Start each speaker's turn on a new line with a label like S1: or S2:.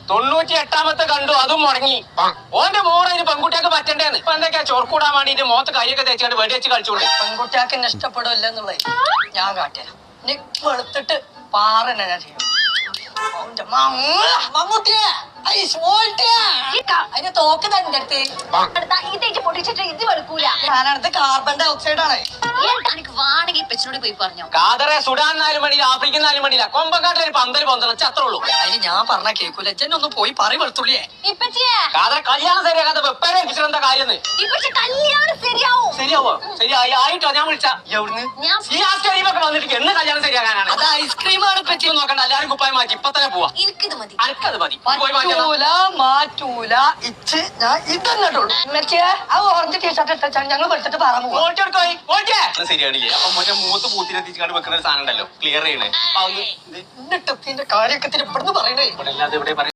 S1: 98ാമത്തെ കണ്ടു, അതും മുടങ്ങി. ഓന്റെ മോറ ഇത് പെൺകുട്ടിയൊക്കെ പറ്റണ്ടേന്ന്. ഇപ്പൊ എന്തൊക്കെയാ ചോർക്കൂടാൻ വേണ്ടിട്ട് മോത്ത് കൈയൊക്കെ തേച്ചാണ്ട് വെടി വെച്ച് കളിച്ചോണ്ട്.
S2: പെൺകുട്ടിയാക്ക് എന്നെ ഇഷ്ടപ്പെടില്ല എന്നുള്ളത് ഞാൻ കാട്ടിയാ. നീ വെളുത്തിട്ട് പാറന്നെ ഞാൻ ചെയ്യും. അതിന്റെ തോക്ക് തന്നെ അടുത്ത്
S3: പൊട്ടിച്ചിട്ട് ഇത് വെളുക്കൂല.
S2: ഞാനടുത്ത് കാർബൺ ഡൈ ഓക്സൈഡ് ആണ്.
S3: എനിക്ക് വേണമെങ്കിൽ പെച്ചിനോട് പോയി പറഞ്ഞോ.
S1: കാതറെ സുഡാൻ 4 മണിയില്ല, ആഫ്രിക്കൻ 4 മണിയില്ല, കൊമ്പങ്കാട്ടിൽ ഒരു പന്തൽ പൊന്തണം, അത്രേ ഉള്ളൂ.
S2: അതിന് ഞാൻ പറഞ്ഞ കേൾക്കൂല. ഒന്ന് പോയി പറയും വെളുത്തുള്ളിയെ.
S1: കാതറെ കല്യാണം ശരിയാക്കാത്ത വെപ്പേരെ ഏൽപ്പിച്ചിട്ട് എന്താ കാര്യം?
S3: കല്യാണം ശരിയാവും.
S1: ശരിയാവോ? ശരിയായി ആയിട്ടോ? ഞാൻ വിളിച്ച ഈ ആസ്കരീമൊക്കെ വന്നിട്ട് എന്ന് കല്യാണം ശരിയാക്കാനാണ്?
S2: അത് ഐസ്ക്രീമാണ് പറ്റി
S1: നോക്കണ്ട, എല്ലാരും കുപ്പായി മാറ്റി ഇപ്പൊ തന്നെ പോവാ.
S3: എനിക്കിത് മതി.
S1: അനക്കത് മതി.
S2: മാറ്റൂല ഇച്ച് ഞാൻ ഇതന്നിട്ടുള്ളൂ. ആ ഓറഞ്ച് ടീഷർട്ട് ഇട്ടാണ് ഞങ്ങൾ വെളുത്തിട്ട് പറയാൻ പോകും.
S1: ശരിയാണില്ലേ? അപ്പൊ മറ്റേ മൂത്ത് പൂത്തിനെത്തിച്ചാണ്ട് വെക്കുന്ന ഒരു സാധനം ഉണ്ടല്ലോ, ക്ലിയർ ചെയ്യണേ.
S2: എന്നിട്ട് കാര്യൊക്കെ ഇവിടുന്ന് പറയണേ.
S1: ഇവിടെ